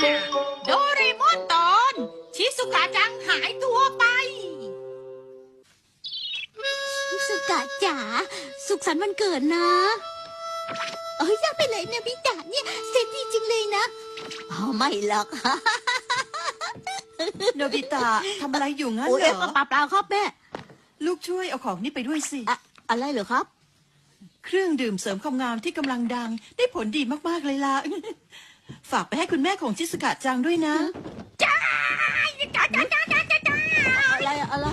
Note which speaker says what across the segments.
Speaker 1: โดเรมอนตอนชิซุกะจังหายตัวไป
Speaker 2: ชิซุกะจ๋าสุขสันต์วันเกิดนะยังไปเลยนะพี่จ๋าเนี่ยเซ็ตดีจริงเลยนะไม่หรอก
Speaker 3: โนบิตะทำอะไรอยู่งั้น
Speaker 2: โอ้
Speaker 3: เหร
Speaker 2: ย
Speaker 3: อ
Speaker 2: เปล่าครับแม่
Speaker 3: ลูกช่วยเอาของนี่ไปด้วยสิ
Speaker 2: อะไรเหรอครับ
Speaker 3: เครื่องดื่มเสริมความงามที่กำลังดังได้ผลดีมากๆเลยล่ะ ฝากไปให้คุณแม่ของชิสกะจังด้วยนะ
Speaker 2: อะไร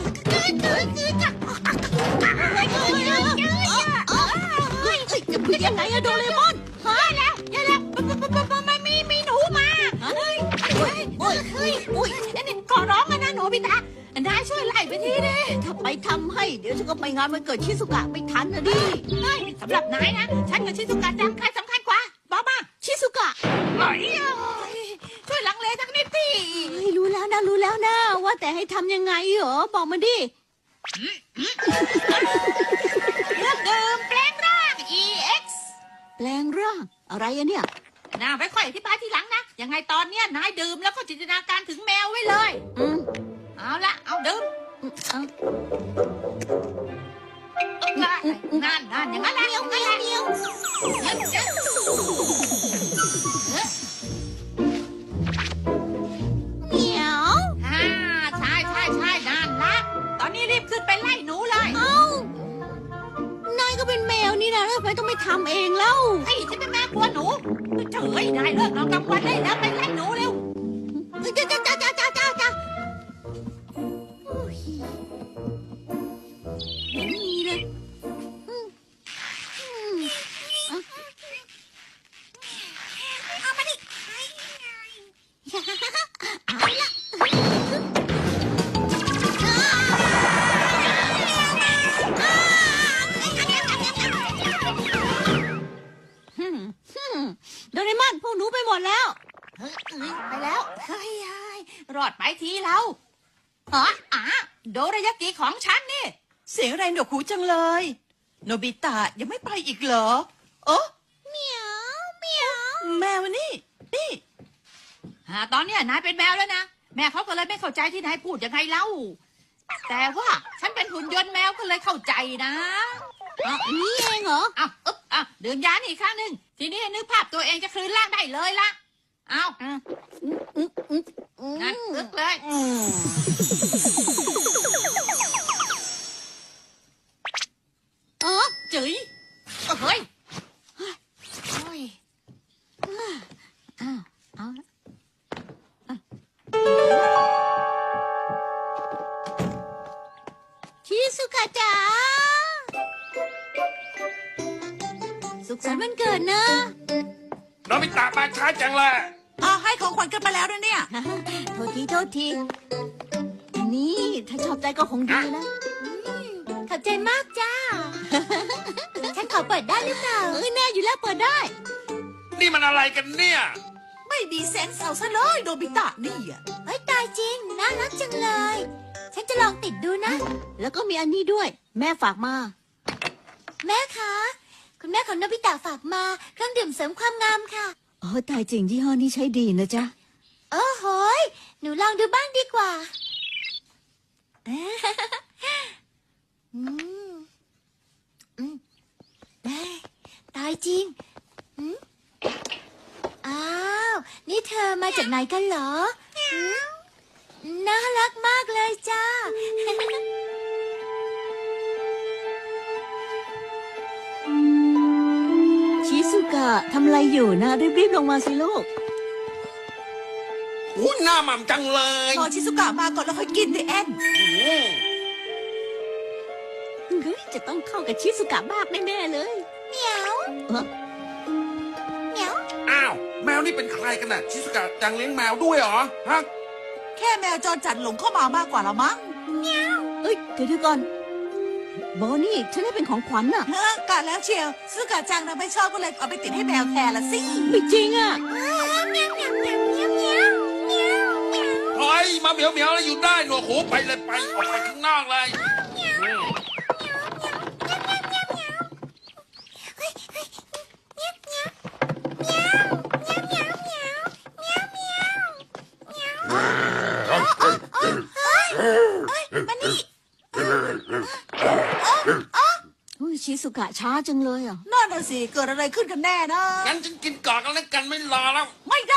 Speaker 2: จะพูดยังไงอะโดเรมอน
Speaker 1: อย่าแล้วไม่มีหนูมานี่ขอร้องนะโนบิตะนายช่วยไล่ไปทีดิ
Speaker 2: ถ้าไปทำให้เดี๋ยวฉันก็ไปงานวันเกิดชิซุกะไม่ทันนะดิ
Speaker 1: สำหรับนายนะฉันกับชิซุกะจังใครสำคัญกว่าบอกมา
Speaker 2: ชิซุกะ
Speaker 1: ช่วยลังเลสักนิดสิ
Speaker 2: รู้แล้วนะว่าแต่ให้ทำยังไงเหรอบอกมาดิ
Speaker 1: เครื่องดื่มแปลงร่าง EX
Speaker 2: แปลงร่างอะไรอะเนี่ย
Speaker 1: น่าไปค่อยอธิบายทีหลังนะยังไงตอนเนี้ยนายดื่มแล้วก็จินตนาการถึงแมวไว้เลยเอาละเอาดื่มนั่นอย่างนั้นแหละอย่างนั้นแหละ
Speaker 2: เหมียว
Speaker 1: ใช่นั่นละตอนนี้รีบขึ้นไปไล่หนูเลย
Speaker 2: นายก็เป็นแมวนี่นะแล้วทำไมต้องไปทำเองเล่า
Speaker 1: ไอ้ฉันเป็นแม่กลัวหนูเฉยนายเลิกนอนกลางวันได้แล้วไปไล่หนูเร็ว
Speaker 2: จ้าเห็นมีเลยเอามาดิเอาละโดเรมอนพวกหนูไปหมดแล้ว
Speaker 1: ไปแล้วเฮ้ยรอดไปทีเราโดรายากิของฉันนี่
Speaker 3: เสียงอะไรหนวกหูจังเลย โนบิตะยังไม่ไปอีกเหรอ
Speaker 2: เหมียว
Speaker 3: แมวนี่
Speaker 1: ตอนเนี้ยนายเป็นแมวแล้วนะแม่เขาก็เลยไม่เข้าใจที่นายพูดยังไงเล่าแต่ว่าฉันเป็นหุ่นยนต์แมวก็เลยเข้าใจนะ
Speaker 2: นี่เองเหรอ
Speaker 1: ดื่มยานี่อีกครั้งหนึ่งทีนี้นึกภาพตัวเองจะคืนร่างได้เลยละเอางั้นอึกเลยจื๋ยเฮ้ย
Speaker 2: เอาละชิซุกะจ๋าสุขสันต์วันเกิดนะ
Speaker 4: โนบิตะมาช้าจังเลย
Speaker 3: ให้ของขวัญกันไปแล้วนะเนี่ย
Speaker 2: โทษที นี่ถ้าชอบใจก็คงดีนะขอบใจมากจ้า ฉันขอเปิดได้หรือเปล่าแน่อยู่แล้วเปิดได้
Speaker 4: นี่มันอะไรกันเนี่ย
Speaker 3: ไม่มีเซนส์เอาซะเลยโนบิตะนี่อ่ะ
Speaker 2: เฮ้ยตายจริงน่ารักจังเลย ฉันจะลองติดดูนะ แล้วก็มีอันนี้ด้วย แม่ฝากมา แม่คะคุณแม่ของโนบิตะฝากมาเครื่องดื่มเสริมความงามค่ะตายจริงยี่ห้อนี้ใช้ดีนะจ๊ะโอ้โหยหนูลองดูบ้างดีกว่าตายจริงอ้าวนี่เธอมาจากไหนกันเหรอน่ารักมากเลยจ้า ชิซุกะทำอะไรอยู่นะรีบลงมาสิลูก
Speaker 4: อู้หน้าหม่ำจังเลย
Speaker 3: พอชิซุกะมาก่อนแล้วค่อยกินดิแอน
Speaker 2: เฮ้ยจะต้องเข้ากับชิซุกะมากแน่ๆเลยเหมียวเหมียว
Speaker 4: อ้าว แมวนี่เป็นใครกันน่ะ ชิสกะจังเลี้ยงแมวด้วยเหรอ ฮะ
Speaker 3: แค่แมวจรจัดหลงเข้ามามากกว่าละมั้ง
Speaker 2: เอ้ยเดี๋ยวก่อนโบนี่ฉันให้เป็นของขวัญน่ะ
Speaker 3: กะแล้วเชียวซึกะจังนะไม่ชอบก็เลยเอาไปติดให้แมวแทนละสิ
Speaker 2: ไม่จริงอ่ะ
Speaker 4: เฮ้ย มาเหมียวแล้วอยู่ได้หนวกหูไปเลยไป ออกไปข้างนอกเลย
Speaker 2: เกะช้าจังเลยอ่ะ
Speaker 5: นั่นน่ะสิเกิดอะไรขึ้นกันแน่นะ
Speaker 4: งั้นฉันกินก่อนกันแล้วกันไม่รอแล้ว
Speaker 5: ไม่ได้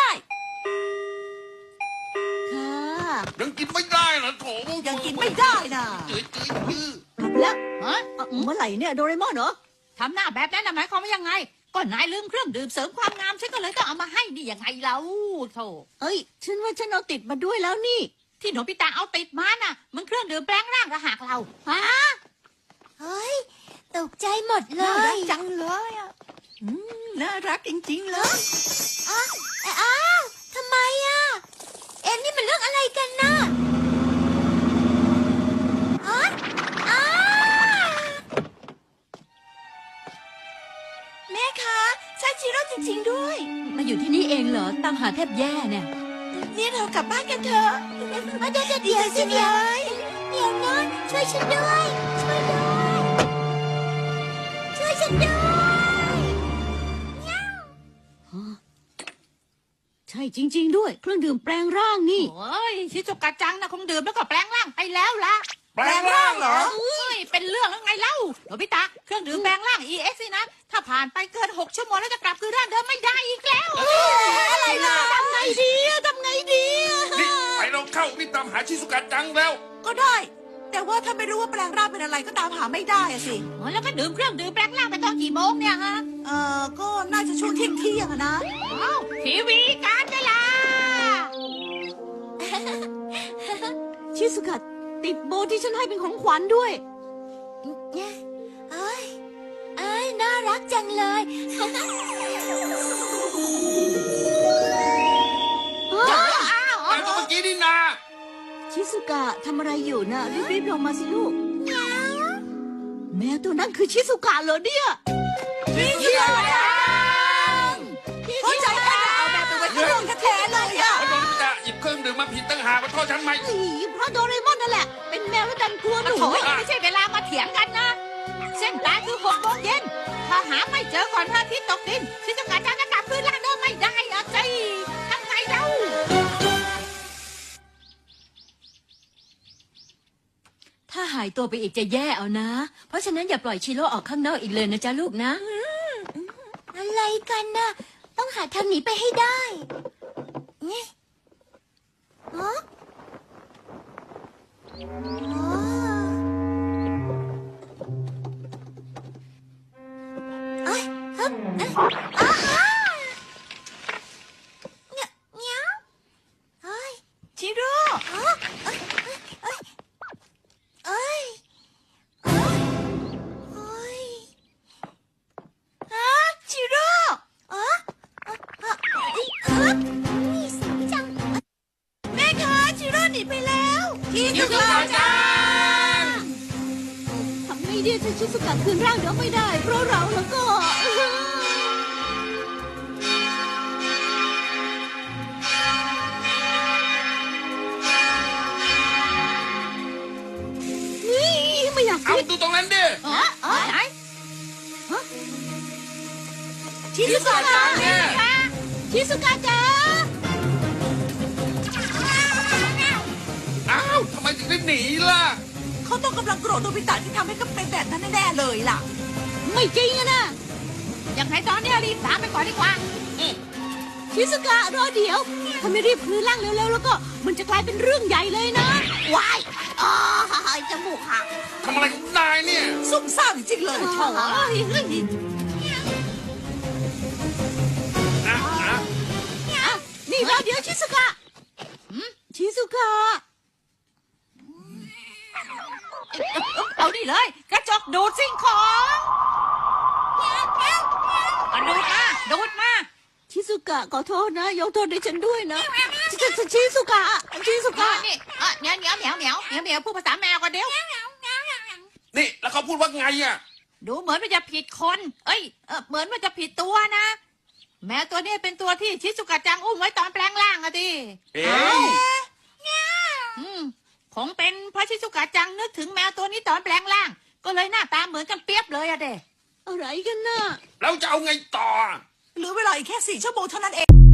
Speaker 2: ค่ะ
Speaker 4: ยังกินไม่ได้เหรอโถ
Speaker 5: ยังกินไม่ได้นะ
Speaker 4: จืดจืดจืด
Speaker 5: กลับแล้ว
Speaker 1: ฮะ
Speaker 5: เมื่อไหร่เนี่ยโดเรมอนเหรอ
Speaker 1: ทำหน้าแบบนั้นน่ะหมายความว่ายังไงก็นายลืมเครื่องดื่มเสริมความงามฉันก็เลยต้องเอามาให้นี่ยังไงเล่าโธ่
Speaker 2: เอ้ย ฉันว่าฉันเอาติดมาด้วยแล้วนี่
Speaker 1: ที่โนบิตะเอาติดมาน่ะ มันเครื่องดื่มแปลงร่างกระหักเรา
Speaker 2: ฮะ เฮ้ย ตกใจหมดเล
Speaker 3: น่ารั
Speaker 2: ย
Speaker 3: กจังเลยอ่ะน่ารักจริงๆเลย
Speaker 2: อ้าวทำไมอ่ะ นี่มันเรื่องอะไรกันน่ะอ๋ออ้าแม่คะใช่ชิโร่จริงๆด้วย
Speaker 6: มาอยู่ที่นี่เองเหรอ ตามหาแทบแย่เนี่ย
Speaker 2: นี่เรากลับบ้านกันเถอะเดี๋ยวสิเดี๋ยวนะช่วยฉันด้วย ช่วยฉันด้วย
Speaker 6: ใช่จริง ๆ ด้วย เครื่องดื่มแปลงร่างนี่
Speaker 1: โอ้ยชิซุกะจังนะคงดื่มแล้วก็แปลงร่างไปแล้วล่ะ
Speaker 4: แปลงร่างเหรอ
Speaker 1: เอ้ยเป็นเรื่องแล้วไงเล่าโนบิตะเครื่องดื่มแปลงร่าง EX นี่นะถ้าผ่านไปเกิน6 ชั่วโมงแล้วจะกลับคืนร่างเดิมไม่ได้อีกแล้ว
Speaker 2: อะไรล่ะทำไงดีทำไงดี
Speaker 4: นี่ไปเราเข้านี่ตามหาชิสุกะจังแล้ว
Speaker 5: ก็ได้ แต่ว่าถ้าไม่รู้ว่าแปลงร่างเป็นอะไรก็ตามหาไม่ได้อะสิ
Speaker 1: อ๋อแล้วก็ดื่มเครื่องดื่มแปลงร่างไปตอนกี่โมงเนี่ยฮะ
Speaker 5: ก็น่าจะช่วงเที่ยงอะนะ
Speaker 1: อ้าวทีวีการเวลา
Speaker 6: ชิสุกะติดโบที่ฉันให้เป็นของขวัญด้วย
Speaker 2: เอ้ยน่ารักจังเลย
Speaker 1: อ้าว
Speaker 4: แต่ก็เมื่อกี้นี่นา
Speaker 6: ชิสุกะทำอะไรอยู่น่ะ รีบๆลงมาสิลูก แมวตัวนั้นคือชิสุกะเหรอเนี่ย
Speaker 5: เที่ยงเข้าใจว่าจะเอาแบบไปไว้ที่ห้องแท้ๆเลยอะ
Speaker 4: เพราะโดนจะหยิบเครื่องดื่มมาผิดตั้งหากมาโทษฉันไหม
Speaker 6: เพราะโดเรมอนนั่นแหละ เป็นแมวแล้วดันกลัวหนู
Speaker 1: โถ่ไม่ใช่เวลามาเถียงกันนะ เส้นตายคือ6 โมงเย็นถ้าหาไม่เจอก่อนพระอาทิตย์ตกดินชิซุกะจังจะกลับคืนร่างเดิมไม่ได้อะจีทำไงเล่า
Speaker 6: ถ้าหายตัวไปอีกจะแย่เอานะ เพราะฉะนั้นอย่าปล่อยชิโร่ออกข้างนอกอีกเลยนะจ๊ะลูกนะ
Speaker 2: อะไรกันน่ะ ต้องหาทางหนีไปให้ได้นี่ฮะอ๋อเอ้ยฮึบเอ้ยอ้าฮะเงี้ยวเฮ้ย
Speaker 5: ชิโร่
Speaker 2: อ๋อเอ้ยเอ้ยเอ้ยเอ้ยเอ้ย
Speaker 5: ฮะชิโร่
Speaker 2: อ๋อครับนี่สิจัง
Speaker 5: แม่คะชิโร่หนีไปแล้วชิ
Speaker 4: ชิสุกะจัง
Speaker 6: ทำไงดีถ้าชิสุกะคืนร่างเดี๋ยวไม่ได้ เพราะเราแล้วก็ นี่ไม่อยาก
Speaker 4: เอา
Speaker 6: คิด
Speaker 4: ดูตรงนั้นดิ
Speaker 1: ไหน
Speaker 5: ชิโร่
Speaker 4: จังเนี่ย
Speaker 6: ชิสุกะจ๋า
Speaker 4: อ้าวทำไมถึงได้หนีล่ะ
Speaker 5: เขาต้องกำลังโกรธโนบิตะที่ทำให้เขาเป็นแบบนั้นแน่ๆเลยล่ะ
Speaker 6: ไม่จริงอะนะ
Speaker 1: ยังไงตอนนี้รีบตามไปก่อนดีกว่า
Speaker 6: ชิสุกะรอเดี๋ยว ถ้าไม่รีบคืนร่างเร็วๆแล้วก็ มันจะกลายเป็นเรื่องใหญ่เลยนะ
Speaker 2: วายอ๋อจมูกหัก
Speaker 4: ทำอะไรของนายเนี่ย
Speaker 5: ซุ่มซ่ามจริงเลย
Speaker 6: โถ่เอ้ย
Speaker 4: อ่ะ
Speaker 6: อ่ะนี่รอเดี๋ยวชิสุกะชิสุกะ
Speaker 1: เอาดิเลยกระจกดูดสิ่งของเอาดูดมาดูดมา
Speaker 6: ชิสุกะขอโทษนะ ยกโทษให้ฉันด้วยนะชิสุกะชิสุกะ
Speaker 1: นี่เหมียวเหมียวเหมียวเหมียวเหมียวเหมียวพูดภาษาแมวกันเดี๋ยว
Speaker 4: นี่แล้วเขาพูดว่าไงอ่ะ
Speaker 1: ดูเหมือนว่าจะผิดคน เอ้ยเหมือนว่าจะผิดตัวนะ แมวตัวนี้เป็นตัวที่ชิซุกะจังอุ้มไว้ตอนแปลงร่างอะดิ
Speaker 4: เอ๊ะ
Speaker 1: คงเป็นเพราะชิซุกะจังนึกถึงแมวตัวนี้ตอนแปลงร่าง ก็เลยหน้าตาเหมือนกันเปียบเลยอะเด้
Speaker 6: อะไรกันน่ะ
Speaker 4: แล้วจะเอาไงต่อ
Speaker 5: เหลือเวลาอีกแค่4 ชั่วโมงเท่านั้นเอง